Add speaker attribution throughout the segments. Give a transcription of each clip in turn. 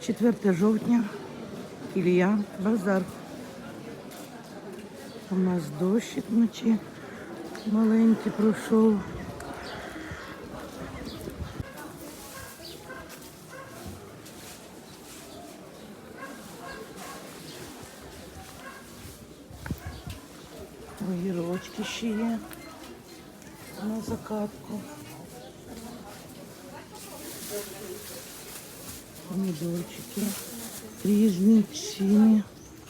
Speaker 1: 4 жовтня, Ілля, базар. У нас дощик вночі маленький пройшов. Огірочки ще є на закатку. Помідорчики різні, ціни.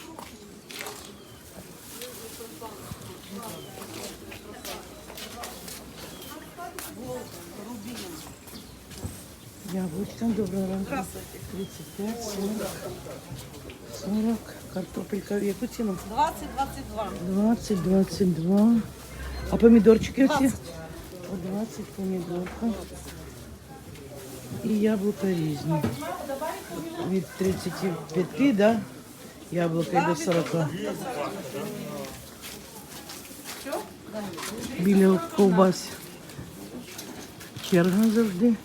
Speaker 1: Яблучка, доброго ранку. 35, 40, 40. Картопелька в яку ціну?
Speaker 2: 20-22.
Speaker 1: 20-22. А помідорчики оці?
Speaker 2: 20.
Speaker 1: По 20 помідорка. І яблука різні. Від 35, да? Яблука і до 40. Біля ковбас. Черга завжди.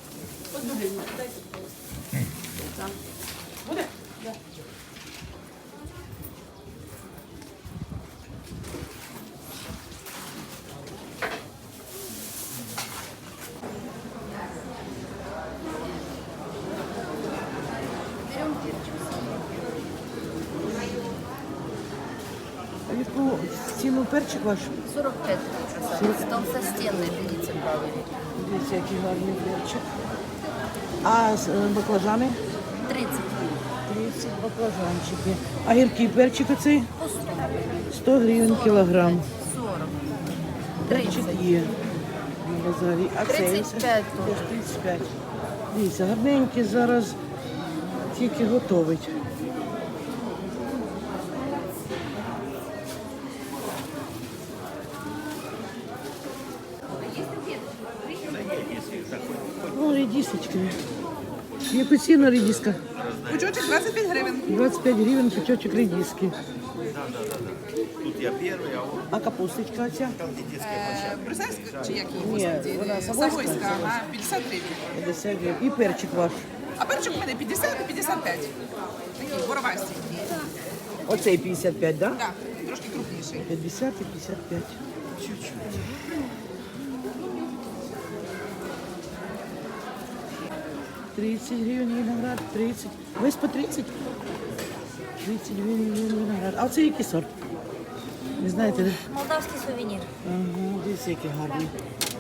Speaker 1: А яку ціну перчик ваш?
Speaker 2: 45 красавица. Толстостенный, берите правый.
Speaker 1: Дивіться, який гарний перчик. А баклажани?
Speaker 2: 30.
Speaker 1: 30 баклажанчики. А гіркий перчик оцей?
Speaker 2: По 100.
Speaker 1: 100 гривень кілограм.
Speaker 2: 40.
Speaker 1: Перчик
Speaker 2: 30.
Speaker 1: є на базарі. А цей?
Speaker 2: 35
Speaker 1: Теж 35. Дивіться, гарненький зараз тільки готовить. О, редисочки. Яку ціну редиска?
Speaker 3: Пучочек 25 гривень.
Speaker 1: 25 гривень пучочок редиски.
Speaker 4: Тут я первый, а он
Speaker 1: А капусточка оця?
Speaker 3: Брюссельська чи який?
Speaker 1: Ні, вона Савойська.
Speaker 3: Савойська, ага, 50 гривень.
Speaker 1: 50 гривень. І перчик ваш.
Speaker 3: А перчик у мене 50 і 55. Такий, боровастий.
Speaker 1: Оцей 55, так? Да?
Speaker 3: Так, трошки крупніший.
Speaker 1: 50 і 55. Чуть-чуть. 30 гривень виноград, 30. Весь по 30? 30 гривень виноград. А оце який сорт? Не знаєте, де?
Speaker 2: Молдавский сувенир.
Speaker 1: Ага, дивіться, який гарний.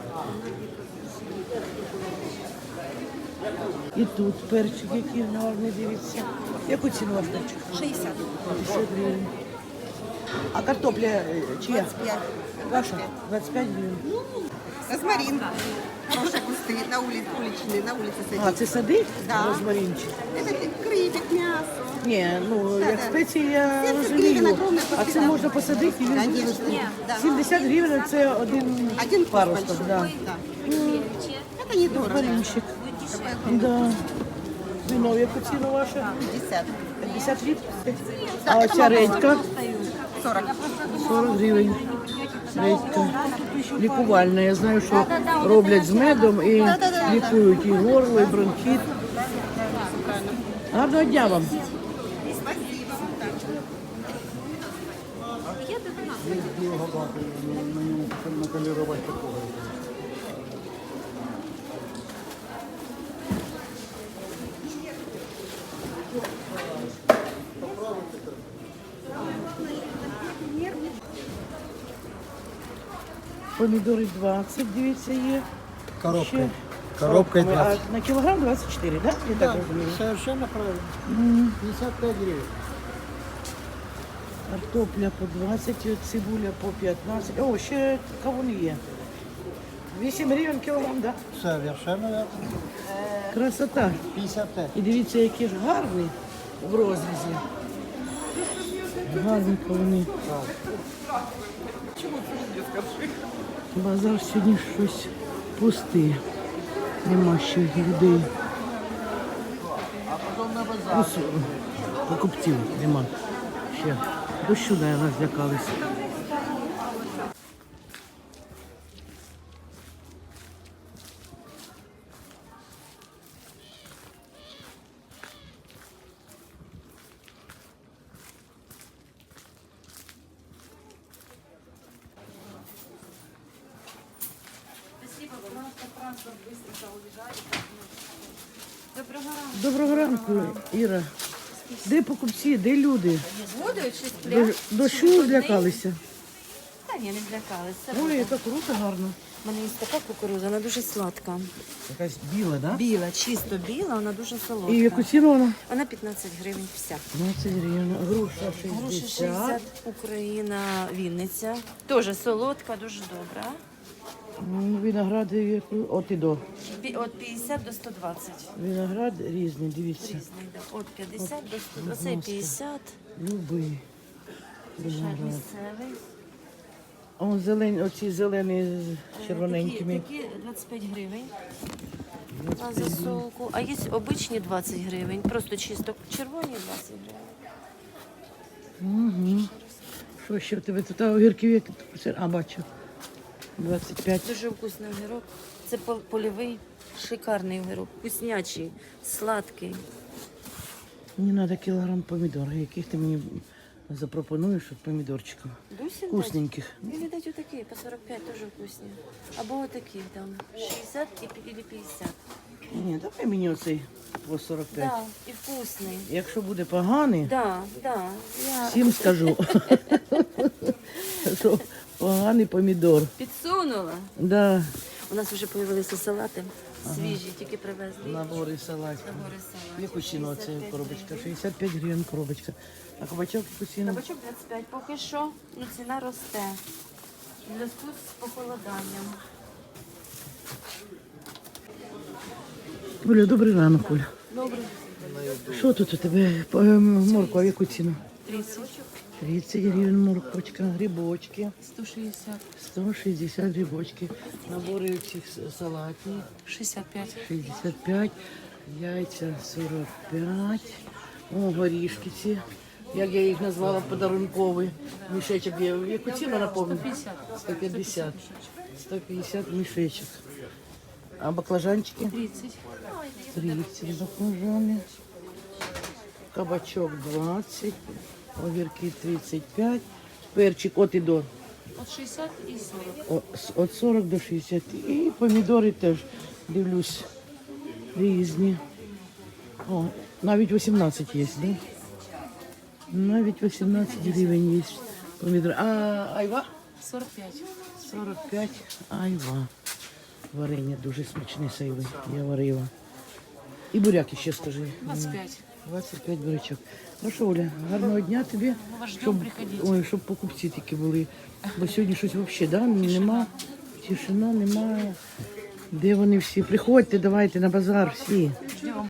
Speaker 1: І тут перчик, який гарний, дивіться. Яку ціну ваш перчик?
Speaker 2: 60.
Speaker 1: 50 гривень. А картопля чия?
Speaker 2: 25.
Speaker 1: Ваша? 25 гривень.
Speaker 3: Розмарин. Хороші кусти на уличні, на вулиці
Speaker 1: А,
Speaker 3: сидять.
Speaker 1: це сади?
Speaker 3: Да.
Speaker 1: Розмаринчик.
Speaker 3: Це крипик, м'ясо.
Speaker 1: Ні, ну як спеції я
Speaker 3: 70 гривень
Speaker 1: розумію.
Speaker 3: огромне
Speaker 1: А це
Speaker 3: посідати.
Speaker 1: можна посадити і він
Speaker 3: Конечно.
Speaker 1: виросте.
Speaker 3: Да.
Speaker 1: 70 гривень це один
Speaker 3: Один
Speaker 1: паросток.
Speaker 3: большой.
Speaker 1: Да.
Speaker 3: Да. Это недорого.
Speaker 1: Розмаринчик. Да. Вино, яку ціну ваше?
Speaker 3: 50.
Speaker 1: 50 літрів?
Speaker 3: Так,
Speaker 1: А
Speaker 3: це
Speaker 1: оця редька?
Speaker 3: 40.
Speaker 1: 40 гривень. Редька. Лікувальна. Я знаю, що роблять з медом і лікують і горло, і бронхіт. Гарного дня вам. Помідори 20, дивіться, є.
Speaker 5: Коробкой.
Speaker 1: Ще
Speaker 5: Коробкой
Speaker 1: коробками.
Speaker 5: 20.
Speaker 1: А на кілограм 24, так? Я так розумію.
Speaker 5: Совершенно правильно. 55 гривен.
Speaker 1: Картопля по 20, цибуля по 15. О, ще кавуни є. 8 гривень кілограм, так?
Speaker 5: Совершенно верно.
Speaker 1: Красота.
Speaker 5: 55.
Speaker 1: І дивіться, який ж гарний в розрізі. Гарні кавуни. Базар сьогодні щось пустий. Нема ще людей. Покупців нема ще. Дощу, наверное, злякалися. Доброго ранку, Іра. Де покупці, де люди?
Speaker 2: Воду чи сплять?
Speaker 1: Дощу злякалися.
Speaker 2: Та ні, не злякалися.
Speaker 1: Ой, яка круто, гарно.
Speaker 2: У мене є така кукурудза, вона дуже сладка.
Speaker 1: Якась біла, да?
Speaker 2: Біла, чисто біла, вона дуже солодка.
Speaker 1: І яку ціну вона?
Speaker 2: Вона 15 гривень вся.
Speaker 1: 20 гривень. Груша
Speaker 2: Груші
Speaker 1: 60.
Speaker 2: 60, Україна, Вінниця. Теж солодка, дуже добра.
Speaker 1: Виноград от і до.
Speaker 2: От 50 до 120.
Speaker 1: Виноград різний, дивіться.
Speaker 2: Різний, да. От 50 до 120. Оцей 50.
Speaker 1: Любий
Speaker 2: Ще
Speaker 1: виноград.
Speaker 2: місцевий.
Speaker 1: А он зелені, оці зелені з червоненькими.
Speaker 2: Такі 25 гривень на засолку. А є обичні 20 гривень. Просто чисто червоні 20 гривень.
Speaker 1: Угу. Що ще в тебе тут огірків? Які тут? А, бачу. 25.
Speaker 2: Дуже вкусний огірок. Це польовий, шикарний огірок. Вкуснячий, сладкий.
Speaker 1: Мені треба кілограм помідор. Яких ти мені запропонуєш от помідорчиків?
Speaker 2: Дусін
Speaker 1: Вкусненьких.
Speaker 2: дать? Или дать отакі, по 45 дуже вкусні. Або отакі там, 60 или 50.
Speaker 1: Ні, давай мені оцей по 45.
Speaker 2: Да, і вкусний.
Speaker 1: Якщо буде поганий,
Speaker 2: Да, да. Я
Speaker 1: всім скажу, що поганий помідор.
Speaker 2: підсунула.
Speaker 1: Да.
Speaker 2: У нас вже з'явилися салати свіжі, тільки привезли.
Speaker 1: Набори салатів.
Speaker 2: Набори салатів.
Speaker 1: Яку ціну це
Speaker 2: 65
Speaker 1: коробочка?
Speaker 2: гривень.
Speaker 1: 65 гривень коробочка. А кабачок яку ціну?
Speaker 2: Кабачок 25. Поки що ціна росте. В зв'язку з похолоданням.
Speaker 1: Оля, добрий ранок, Оля.
Speaker 2: Добре.
Speaker 1: Що тут у тебе? Морква, яку ціну?
Speaker 2: 30.
Speaker 1: 30 гривень морквочка, грибочки.
Speaker 2: 160.
Speaker 1: 160 грибочки. Набори цих салатів.
Speaker 2: 65.
Speaker 1: 65, яйця 45. О, горішки ці. Як я їх назвала, подарунковий мішечок. Яку ціну напомню? 150. 150 мішечок. А баклажанчики?
Speaker 2: 30.
Speaker 1: 30 баклажани. Кабачок 20. Огірки 35. Перчик от і до.
Speaker 2: От 60 і 40.
Speaker 1: От 40 до 60. І помідори теж, дивлюсь, різні. О, навіть 18 є, да? Навіть 18 гривень є помідори. А айва?
Speaker 2: 45.
Speaker 1: 45 айва. Варення дуже смачне з айви. Я варила. І буряки ще скажи.
Speaker 2: 25.
Speaker 1: 25 бурячок. Ну що, Оля, гарного дня тобі. Щоб, ой, щоб покупці тільки були. Бо сьогодні щось взагалі, да? Нема. Тишина, немає. Де вони всі? Приходьте, давайте на базар всі.